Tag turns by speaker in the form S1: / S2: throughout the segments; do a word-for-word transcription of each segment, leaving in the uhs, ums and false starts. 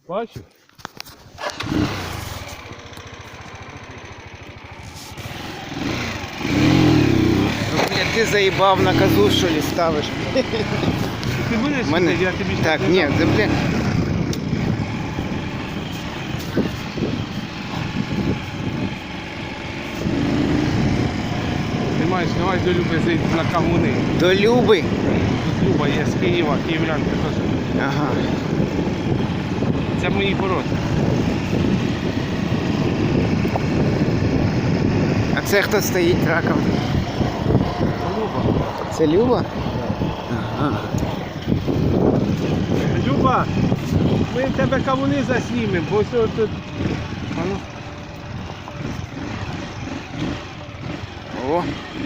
S1: Бачу?
S2: Ти заїбав на козу, що ли, ставиш?
S1: Ти будеш
S2: Мене...
S1: сюди, я тобі щас
S2: Так,
S1: не
S2: ні,
S1: дам.
S2: це, бля...
S1: Ти маєш, давай до Люби зайти на кавуни.
S2: До Люби?
S1: Тут Люба є з Києва, київлянка теж.
S2: Ага.
S1: Це мої породи.
S2: А це хто стоїть раком?
S1: Люба.
S2: Це Люба? Ага.
S1: Люба, ми в тебе кавуни заснімемо, бо ось тут... Ану.
S2: О,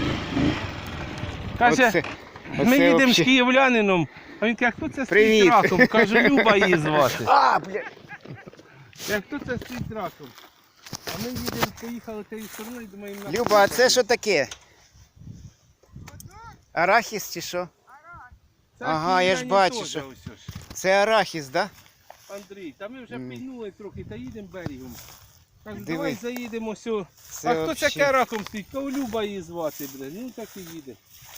S1: Каже,
S2: оце,
S1: ми
S2: оце
S1: їдемо
S2: вообще...
S1: з київлянином, а він каже, хто це
S2: Привіт.
S1: стоїть раком? Кажу, Люба її звати.
S2: А, бля.
S1: Я, хто це стоїть раком? А ми їдемо, поїхали тією стороною, думаємо... на-
S2: Люба, а це що таке? Арахіс чи що?
S1: Це
S2: Ага, я ж
S1: київляні
S2: бачу,
S1: теж
S2: що-
S1: ось ось.
S2: Це арахіс, да?
S1: Андрій, та ми вже
S2: М.
S1: пильнули трохи, та їдемо берегом. Кажу,
S2: Диви.
S1: давай заїдемо сюди.
S2: Це
S1: А хто
S2: вообще-
S1: таке раком стоїть? Кого Люба її звати, блин? Ну так і їде.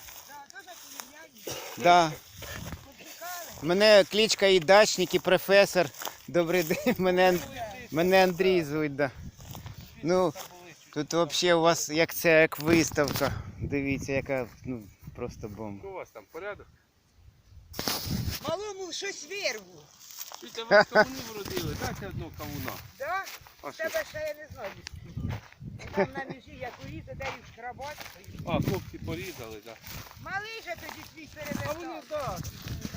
S2: Да. Мене кличка і дачник, і професор. Добрий день, мене, мене Андрій звуть, да. Ну, тут взагалі у вас як це, як виставка. Дивіться, яка, ну, просто бомба.
S1: Що у вас там, порядок?
S3: Малому щось вирву.
S1: Чуйте, вас кавуни вродили, дайте одного кавуна.
S3: Да?
S1: А що?
S3: Тебе ще я не знаю. Там на межі, як урізати, де їх шкрабати.
S1: А, хлопці порізали, так.
S3: Малий же тоді свій
S1: А вони,
S3: перевертав.
S1: так.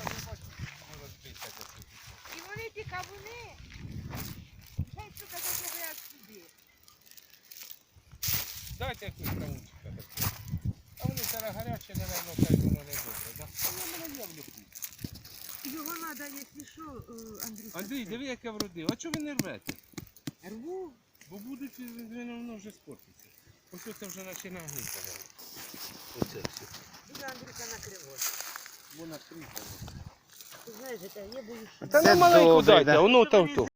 S3: І вони ті кавуни. Хай сука заговорять сюди.
S1: Дайте якусь кавунчика такого. А вони зараз гарячі, напевно, хай воно не добре, так? А воно мене є в люку.
S3: Його треба, якщо що, Андрій.
S1: Андрій, диви, яке вродив. А чого ви не рвете?
S3: Рву.
S1: Бо будуть, воно вже спортиться. Ось це вже починає гнити. Оце все.
S3: Буде Андрюка накривати.
S1: Вона кріпа.
S3: Ти знаєш, я боюсь, що...
S1: Та
S2: Це
S1: не маленьку
S2: добре,
S1: дайте,
S2: да.
S1: воно там то.